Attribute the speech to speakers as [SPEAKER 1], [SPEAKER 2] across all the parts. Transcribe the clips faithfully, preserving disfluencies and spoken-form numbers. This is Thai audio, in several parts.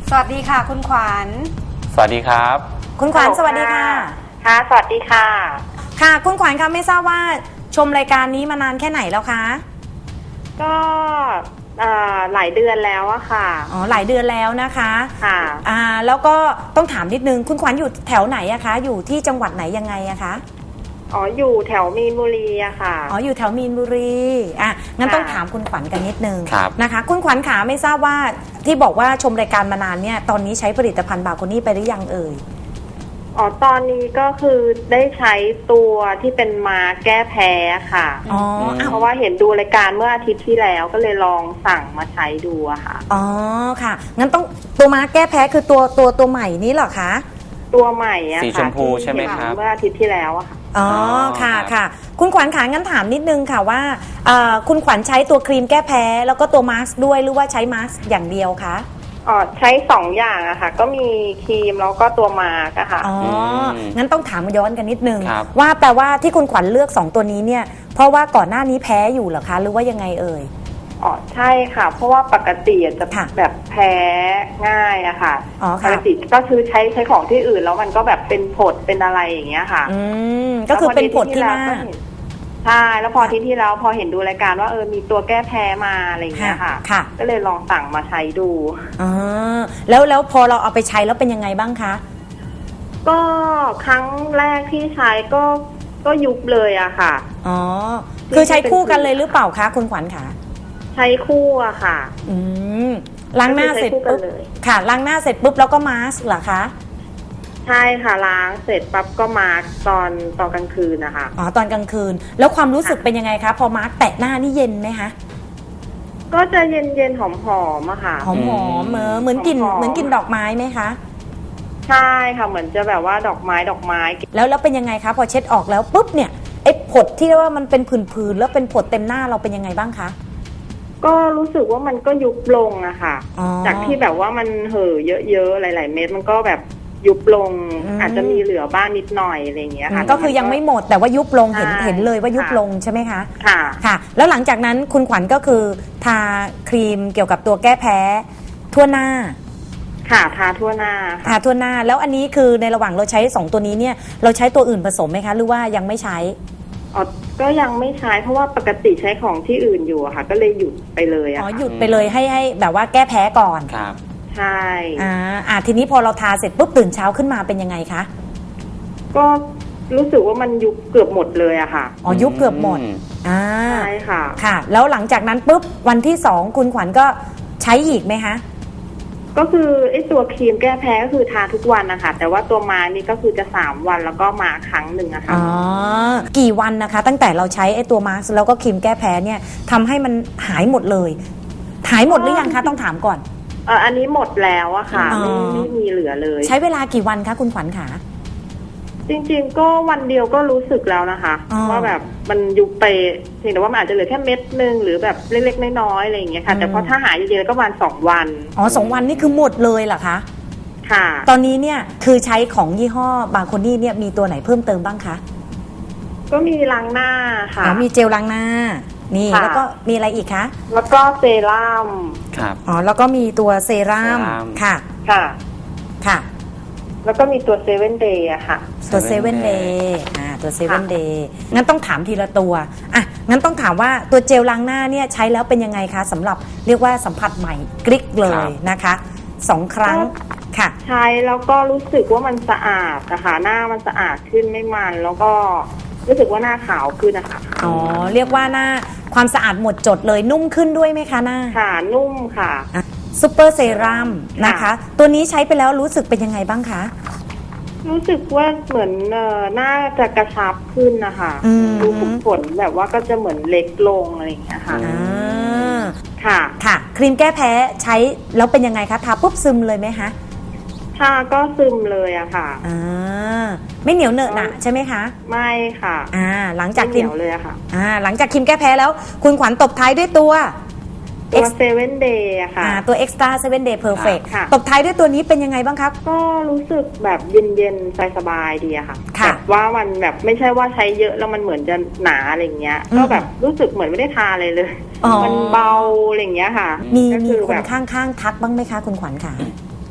[SPEAKER 1] สวัสดีค่ะคุณขวัญ
[SPEAKER 2] สวัสดีครับ
[SPEAKER 1] คุณขวัญสวัสดีค่ะ
[SPEAKER 3] ค่ะสวัสดีค่ะ
[SPEAKER 1] ค่ะคุณขวัญคะไม่ทราบว่าชมรายการนี้มานานแค่ไหนแล้วคะ
[SPEAKER 3] ก็หลายเดือนแล้วอะค่ะ
[SPEAKER 1] อ๋อหลายเดือนแล้วนะคะ
[SPEAKER 3] ค่ะ
[SPEAKER 1] อ่าแล้วก็ต้องถามนิดนึงคุณขวัญอยู่แถวไหนอะคะอยู่ที่จังหวัดไหนยังไงอะคะ
[SPEAKER 3] อ๋ออยู่แถวมีนบุรีอะค่ะ
[SPEAKER 1] อ๋ออยู่แถวมีนบุรีอ่ะงั้นต้องถามคุณขวัญกันนิดนึงนะคะคุณขวัญขาไม่ทราบว่าที่บอกว่าชมรายการมานานเนี่ยตอนนี้ใช้ผลิตภัณฑ์บาโคนี่ไปหรือยังเอ่ย
[SPEAKER 3] อ๋อตอนนี้ก็คือได้ใช้ตัวที่เป็นมาแก้แพ้ค่ะ
[SPEAKER 1] อ๋อ
[SPEAKER 3] เพราะว่าเห็นดูรายการเมื่ออาทิตย์ที่แล้วก็เลยลองสั่งมาใช้ดูอะค่ะ
[SPEAKER 1] อ๋อค่ะงั้นต้องตัวมาแก้แพ้คือตัวตัวตัวใหม่นี้เหรอคะ
[SPEAKER 3] ตัวใหม่อะค่ะ
[SPEAKER 2] สีชมพูใช่ไหมครับ
[SPEAKER 3] เมื่ออาทิตย์ที่แล้วอะค่ะ
[SPEAKER 1] อ๋อค่ะค่ะคุณขวัญขางั้นถามนิดนึงค่ะว่าคุณขวัญใช้ตัวครีมแก้แพ้แล้วก็ตัวมาสก์ด้วยหรือว่าใช้มาสก์อย่างเดียวคะ
[SPEAKER 3] อ๋อใช้สองอย่างอะค่ะก็มีครีมแล้วก็ตัวมาร์กอะค่ะ
[SPEAKER 1] อ๋องั้นต้องถามย้อนกันนิดนึงว่าแปลว่าที่คุณขวัญเลือกสองตัวนี้เนี่ยเพราะว่าก่อนหน้านี้แพ้อยู่เหรอคะหรือว่ายังไงเอ่ย
[SPEAKER 3] อ๋อใช่ค่ะเพราะว่าปกติจะแบบแพ้ง่ายอะค่ะปกติก็คือใช้ใช้ของที่อื่นแล้วมันก็แบบเป็นผดเป็นอะไรอย่างเงี้ยค่ะ
[SPEAKER 1] อืมก็คือเป็นผดที่หน้า
[SPEAKER 3] ใช่แล้วพอที่ที่แล้วพอเห็นดูรายการว่าเออมีตัวแก้แพ้มาอะไรอย่างเงี้ยค่ะ
[SPEAKER 1] ค่ะ
[SPEAKER 3] ก็เลยลองสั่งมาใช้ดู
[SPEAKER 1] อ๋อแล้วแล้วพอเราเอาไปใช้แล้วเป็นยังไงบ้างคะ
[SPEAKER 3] ก็ครั้งแรกที่ใช้ก็ก็ยุบเลยอะค่ะ
[SPEAKER 1] อ๋อคือใช้คู่กันเลยหรือเปล่าคะคุณขวัญคะ
[SPEAKER 3] ใช้คู่อะค่ะ
[SPEAKER 1] อืมล้างหน้าเสร็จปุ๊บค่ะล้างหน้าเสร็จปุ๊บแล้วก็มาสก์เหรอคะ
[SPEAKER 3] ใช่ค่ะล้างเสร็จปั๊บก็มาร์กตอนตอนกลางคืนนะคะ
[SPEAKER 1] อ๋อตอนกลางคืนแล้วความรู้สึกเป็นยังไงคะพอมาร์กแตะหน้านี่เย็นไหมคะ
[SPEAKER 3] ก็จะเย็นเย็นหอมหอมอะค่ะ
[SPEAKER 1] หอมหอมเหมือนเหมือนกลิ่นเหมือนกลิ่นดอกไม้ไหมคะ
[SPEAKER 3] ใช่ค่ะเหมือนจะแบบว่าดอกไม้ดอกไม้
[SPEAKER 1] แล้วแล้วเป็นยังไงคะพอเช็ดออกแล้วปุ๊บเนี่ยไอ้ผดที่ว่ามันเป็นผื่นๆแล้วเป็นผดเต็มหน้าเราเป็นยังไงบ้างคะ
[SPEAKER 3] ก็รู้สึกว่ามันก็ยุบลงอะค่ะจากที่แบบว่ามันเห่อเยอะๆหลายๆเม็ดมันก็แบบยุบลงอาจจะมีเหลือบ้างนิดหน่อยอะไรอย่างเงี้ยค่ะ
[SPEAKER 1] ก็คือยังไม่หมดแต่ว่ายุบลงเห็นเห็นเลยว่ายุบลงใช่ไหมคะ
[SPEAKER 3] ค่ะ
[SPEAKER 1] ค่ะแล้วหลังจากนั้นคุณขวัญก็คือทาครีมเกี่ยวกับตัวแก้แพ้ทั่วหน้า
[SPEAKER 3] ค่ะทาทั่วหน้า
[SPEAKER 1] ทาทั่วหน้าแล้วอันนี้คือในระหว่างเราใช้สองตัวนี้เนี่ยเราใช้ตัวอื่นผสมไหมคะหรือว่ายังไม่ใช้
[SPEAKER 3] อ๋อก็ยังไม่ใช้เพราะว่าปกติใช้ของที่อื่นอยู่อะค่ะก็เลยหยุดไปเลยอะ
[SPEAKER 1] อ๋อหยุดไปเลยให้ให้แบบว่าแก้แพ้ก่อน
[SPEAKER 2] ครับ
[SPEAKER 3] ใช่
[SPEAKER 1] อ่าอ่าทีนี้พอเราทาเสร็จปุ๊บตื่นเช้าขึ้นมาเป็นยังไงคะ
[SPEAKER 3] ก็รู้สึกว่ามันยุบเกือบหมดเลยอะค่ะ
[SPEAKER 1] อ๋อยุบเกือบหมดอ่า
[SPEAKER 3] ใช่ค่ะ
[SPEAKER 1] ค่ะแล้วหลังจากนั้นปุ๊บวันที่สองคุณขวัญก็ใช้อีกไหมคะ
[SPEAKER 3] ก็คือไอ้ตัวครีมแก้แพ้ก็คือทาทุกวันนะคะแต่ว่าตัวมานี่ก็คือจะสามวันแล้วก็มาครั้งหนึ่งอะค่ะ
[SPEAKER 1] อ๋อกี่วันนะคะตั้งแต่เราใช้ไอ้ตัวมาสก์แล้วก็ครีมแก้แพ้เนี่ยทำให้มันหายหมดเลยหายหมดหรือยังคะต้องถามก่อน
[SPEAKER 3] เอออันนี้หมดแล้วอะค่ะไม่ไม่มีเหลือเลย
[SPEAKER 1] ใช้เวลากี่วันคะคุณขวัญขา
[SPEAKER 3] จริงๆก็วันเดียวก็รู้สึกแล้วนะคะว่าแบบมันยุบไปเพียงแต่ว่ามันอาจจะเหลือแค่เม็ดนึงหรือแบบเล็กๆน้อยๆอะไรอย่างเงี้ยค่ะแต่พอถ้าหายจริงๆแล้วก็ประมาณสองวัน
[SPEAKER 1] อ๋อสองวันนี่คือหมดเลยเหรอคะ
[SPEAKER 3] ค่ะ
[SPEAKER 1] ตอนนี้เนี่ยคือใช้ของยี่ห้อบาโคนี่เนี่ยมีตัวไหนเพิ่มเติมบ้างคะ
[SPEAKER 3] ก็มีล้างหน้าค่ะ
[SPEAKER 1] อ๋อมีเจลล้างหน้านี่แล้วก็มีอะไรอีกคะ
[SPEAKER 3] แล้วก็เซรั่ม
[SPEAKER 2] ครับ
[SPEAKER 1] อ๋อแล้วก็มีตัวเซรั่มค่ะ
[SPEAKER 3] ค่ะ
[SPEAKER 1] ค่ะ
[SPEAKER 3] แล้วก็มีตัวเซเว่นเดย์อะค่ะ
[SPEAKER 1] ตัวเซเว่นเดย์อ่าตัวเซเว่นเดย์งั้นต้องถามทีละตัวอ่ะงั้นต้องถามว่าตัวเจลล้างหน้าเนี่ยใช้แล้วเป็นยังไงคะสำหรับเรียกว่าสัมผัสใหม่กริ๊กเลยนะคะสองครั้งค่ะ
[SPEAKER 3] ใช้แล้วก็รู้สึกว่ามันสะอาดนะคะหน้ามันสะอาดขึ้นไม่มันแล้วก็รู้สึกว่าหน้าขาวขึ้นนะคะ
[SPEAKER 1] อ๋อเรียกว่าหน้าความสะอาดหมดจดเลยนุ่มขึ้นด้วยไหมคะหน้า
[SPEAKER 3] ค่ะนุ่มค่ะ
[SPEAKER 1] ซูเปอร์เซรั่มนะคะตัวนี้ใช้ไปแล้วรู้สึกเป็นยังไงบ้างคะ
[SPEAKER 3] รู้สึกว่าเหมือนเอ่อหน้าจะกระชับขึ้นนะคะดูผลผลแบบว่าก็จะเหมือนเล็กลงอะไรอย่างเงี้ยค่ะค่ะ
[SPEAKER 1] ค่ะครีมแก้แพ้ใช้แล้วเป็นยังไงคะทาปุ๊บซึมเลยไหมคะ
[SPEAKER 3] ทาก็ซึมเลยอะค่ะ
[SPEAKER 1] อ่าไม่เหนียวเหนอะหนะใช่ไหมคะ
[SPEAKER 3] ไม่ค่ะ
[SPEAKER 1] อ่าหลังจาก
[SPEAKER 3] เหนียวเลยอะค่ะ
[SPEAKER 1] อ่าหลังจากครีมแก้แพ้แล้วคุณขวัญตบท้ายด้วยตัว
[SPEAKER 3] ตัวเซเว่นเดย์อะค่ะ
[SPEAKER 1] ตัว Extra เซเว่น Day Perfect ตบท้ายด้วยตัวนี้เป็นยังไงบ้างครับ
[SPEAKER 3] ก็รู้สึกแบบเย็นๆสบายๆดีอะค่ะแบบว่ามันแบบไม่ใช่ว่าใช้เยอะแล้วมันเหมือนจะหนาอะไรเงี้ยก็แบบรู้สึกเหมือนไม่ได้ทาเลยเลยมันเบาอะไรเงี้ยค่ะ
[SPEAKER 1] มีมีคนข้างๆทักบ้างไหมคะคุณขวัญค่ะ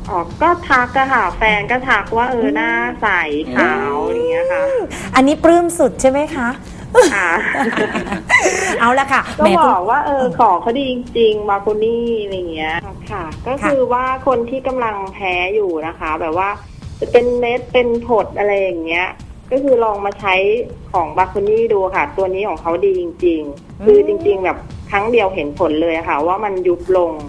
[SPEAKER 3] อ๋อก็ทักอะค่ะ แฟนก็ทักว่าเออหน้าใสขาวอย่างเงี้ยค่ะ
[SPEAKER 1] อันนี้ปลื้มสุดใช่ไหมคะ
[SPEAKER 3] ค่ะ
[SPEAKER 1] เอาละค่ะ
[SPEAKER 3] ก็
[SPEAKER 1] แหม
[SPEAKER 3] บ
[SPEAKER 1] คุณ
[SPEAKER 3] อกว่าเออของเขาดีจริงๆมาโคนี่อะไรเงี้ยค่ะ ก็คือว่าคนที่กำลังแพ้อยู่นะคะ แบบว่าจะเป็นเม็ดเป็นผดอะไรอย่างเงี้ย ก็คือลองมาใช้ของบาโคนี่ดูค่ะ ตัวนี้ของเขาดีจริงๆ คือจริงๆแบบครั้งเดียวเห็นผลเลยค่ะ ว่ามันยุบลง